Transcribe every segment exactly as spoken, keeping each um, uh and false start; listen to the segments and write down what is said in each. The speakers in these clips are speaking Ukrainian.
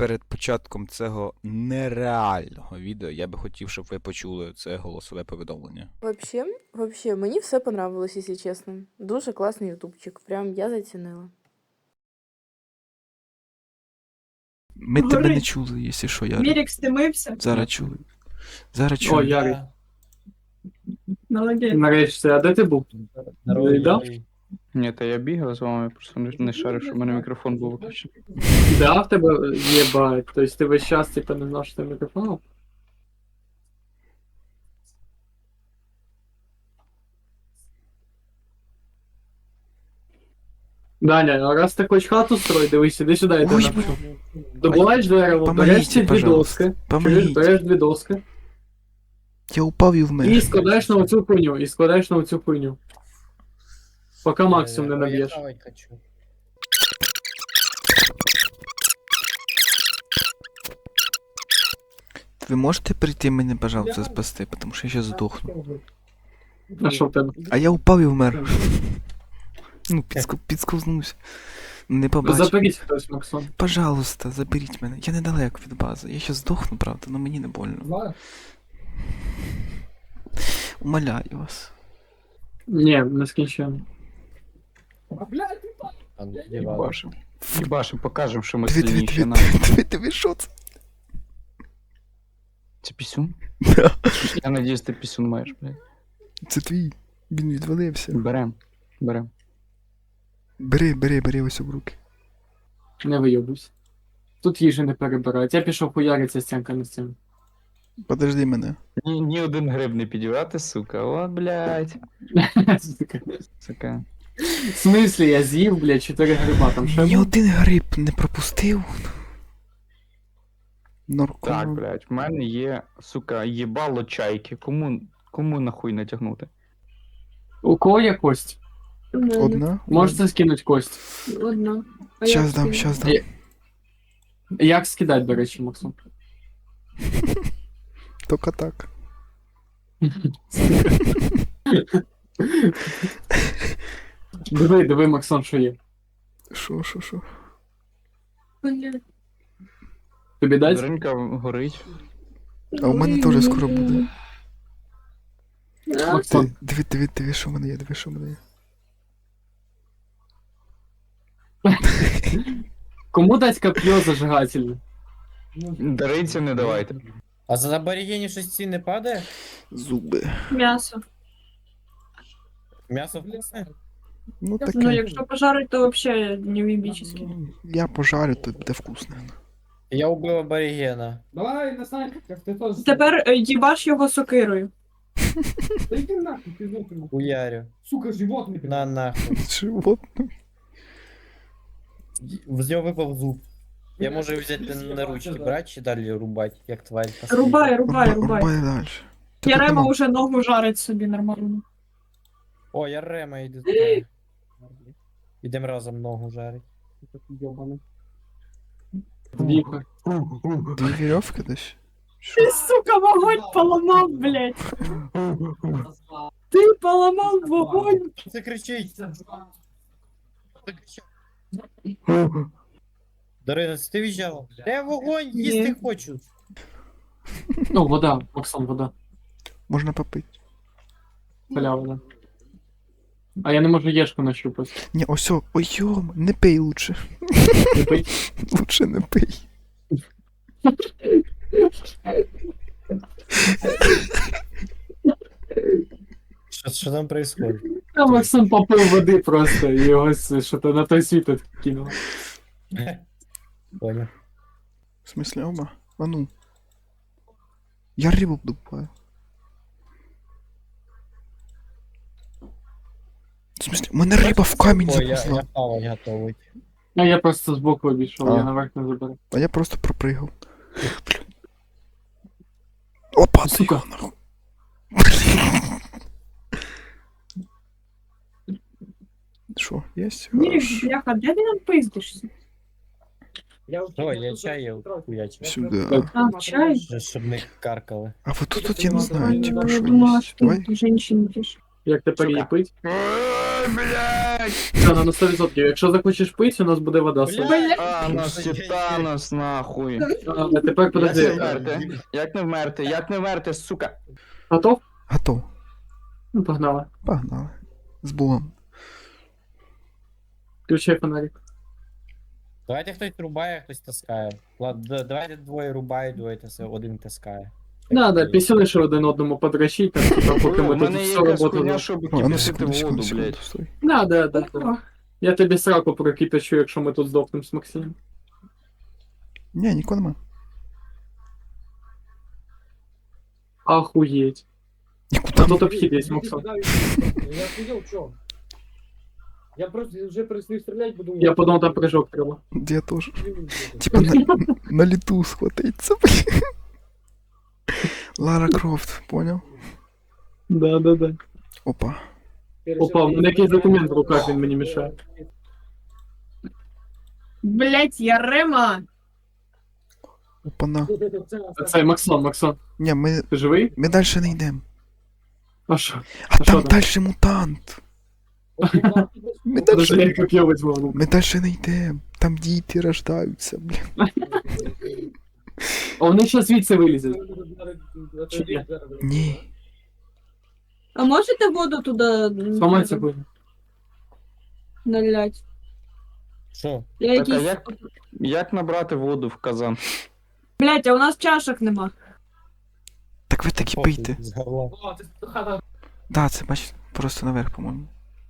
перед початком цього нереального відео я би хотів, щоб ви почули це голосове повідомлення. Вообще, вообще, мені все понравилось, якщо чесно. Дуже класний ютубчик. Прям я зацінила. Ми тебе Говори. не чули, якщо що, Ярик. Мірік стимився. Зараз чули. Зараз О, чули. Ярик, Молодець. нарешті, а де ти був? Здорово, Да? Юрій. Ні, та я бігав з вами, просто не, не шарив, що в мене мікрофон був виключений. Да, в тебе є байт. Тобто ти весь час типу, не знав, що ти мікрофон? Даня, а раз ти хочеш хату строїть, дивись, іди сюди, я тебе Ой, напишу. Добуваєш дерево, береш Помогите, ці дві пожалуйста. доски, чуєш, Помогите. береш дві доски, Я упав і вмер. і складаєш на оцю хуйню, і складаєш на оцю хуйню. Поки Е, максимум не ой, я наб'єш. хавать хочу. Ви можете прийти мене, пожалуйста, спасти, тому що я ще здохну. А що в тебе? А я упав і вмер. Ну, підску... підсковзнувся. Не побачив. Заберіть хтось, Максон. Пожалуйста, заберіть мене. Я недалеко від бази. Я ще здохну, правда, але мені не больно. Умоляю вас. Ні, не скінчено. А ну, дівали. Їбашим. Їбашим, покажемо, що ми Диви, диви, сильніші диви, на. диви, диви, диви, що це? Це пісюн? Да. Я надіюсь, ти пісюн маєш, блядь. Це твій. Він відвалився. Берем. Берем. Бери, бери, бери ось в руки. Не вийобуйся. Тут їжі не перебирають. Я пішов хуяриться стінка на стіну. Подожди мене. Ні, ні один гриб не підівати, сука. От, блядь. Сука. В смислі, я з'їв, блядь, чотири гриба, там ще Ні був? один гриб не пропустив. Норко. Так, блядь, в мене є, сука, їбало чайки. Кому, кому нахуй натягнути? У кого є кость? Одна? Можете скинути кость? Одна. Щас дам, щас дам. Є. Як скидати, до речі, Максим? Тільки так. Диви, диви, Максон, що є. Шо, шо, шо? Тобі дать? Даринка горить. А у мене теж скоро буде. Максон, Диви, диви, диви, що в мене є, диви, що в мене є. кому дать коп'є зажигательне? Даринці не давайте. А за аборігені щось ці не падає? Зуби. М'ясо. М'ясо вкусне? Ну таке. Ну, якщо пожарить, то вообще невибічески. Я пожарю, то буде вкусно. Я убив аборігена. Давай, на снайперках, ты тоже. Тепер е, їбаш його сокирою. Да иди нахуй, ты знакомый. Уярю. Сука, животный. На нахуй. Животне. З нього випав зуб. Я можу взяти на ручки, брати чи далі рубати, як тварь. последня? Рубай, рубай, рубай. Рубай далі. Ярема уже ногу жарить собі нормально. О, я Рема йду туди. Ідем разом ногу жарить. Йобаний. Віка. Дві вірьовки десь? Ти, сука, вогонь поламав, блядь. Ти поламав вогонь. Це кричить. Дарина, це ти в'їжджала? Я вогонь їсти хочу. Ну, вода, Максон, вода. Можна попити. Халява, вода. А я не можу єшку нащупати. Ні, ось, о, ой, йом, не пий лучше. Не пий. Лучше не пий. Що, що там происходит? А Максон попив води просто, і його с- що то на той світ кинув. Понял. В смысле, оба? А ну. Я рибу добуваю. В смысле, у мене риба в камінь Ой, я, я заповзла. хавать готовий. А я просто збоку обійшов, А. я наверх не заберу. А я просто пропригав. Блін. Опа, ти Сука. його нахуй. Що, єсть? Мірік, Хорош. бляха, де ти нам пиздишся? Ой, я чай хуячив. Сюди. А, чай? Щоб не каркали. А вот тут, тут я не знаю, типа, Я що думала, є. що Давай. ти женщин пиш. Як тепер її пить? Ой, блядь! блядь. Та, на сто відсотків. Якщо захочеш пити, у нас буде вода. Бля. Бля. Танос, Титанос, нахуй. А тепер Як не подожди. вмерти? Як не вмерти? Як не вмерти, сука? Готов? Готов. Ну, погнали. Погнали. З Богом. Включай фонарик. Давайте хтось рубає, хтось таскає. Ладно, давайте двоє рубають, двоє таскає, один таскає. Да, да, пісюни ще один одному подращить, там, типа, поки У ми тут мене є всю якась роботу. хуйня, щоб А, ну кипятити секунду, секунду, воду, секунду, блядь. стой. Да, да, да, да. Я тобі сраку прокипячу, якщо ми тут здохнемо з Максимом. Ні, нікого нема. Охуєть. Нікуди. Та тут обхід є, Максон. Я сидел, чё? Я просто уже перестаю стрелять, буду... Я подумав, там прыжок треба. Я теж. Типа на, на літу схватиться, блін. Лара Крофт, понял? Да, да, да. Опа. Опа, у мене якийсь документ в руках, він мені мішає. Блять, Ярема! Опана. Це Максон, Максон. Ні, ми, Ти живий? ми далі не йдемо. А що? А А що там там? далі мутант. Ми Подожди, далі, я коп'є візьму в руку. ми далі не йдемо. Там діти рождаються, блін. А вони ще звідси вилізуть. Ні. А можете воду туди Сломається буде. налять? Що? Я Так, а якийсь... як, як набрати воду в казан? Блять, а у нас чашок нема. Так ви таки пийте. З горла. О, ти хата. Да, це бач, просто наверх, по-моєму.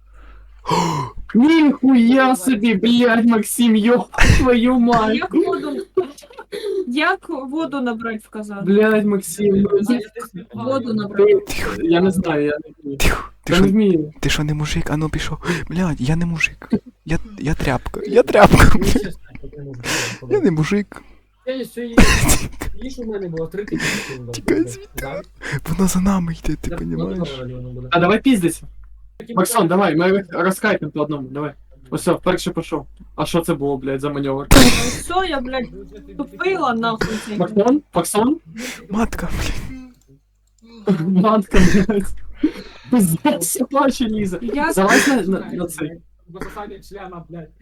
Ніхуя собі, блядь, Максим, йоп твою А мать. як воду... Як воду набрати в казан? Блядь, Максим, ну, ти- Воду набрати. ти- я не знаю, я не вмію. Тихо, ти Я не що, вмію. ти що не мужик? А ну пішов. Блядь, я не мужик. Я, я тряпка. Я тряпка, блядь. Я не мужик. Я ще є. Їж у мене було три тисячі. Тікай звідти. Воно за нами йде, ти розумієш? А давай піздися. Максон, давай, ми розкайпимо по одному, давай. Ось все, вперше пішов. А що це було, блядь, за маневр? Все, я, блядь, тупила нахуй цей. Максон? Максон? Матка, блядь. Матка, блядь. Пиздець, плаче лізе. Я... Залазь на, на, на цей. Висосання члена, блядь.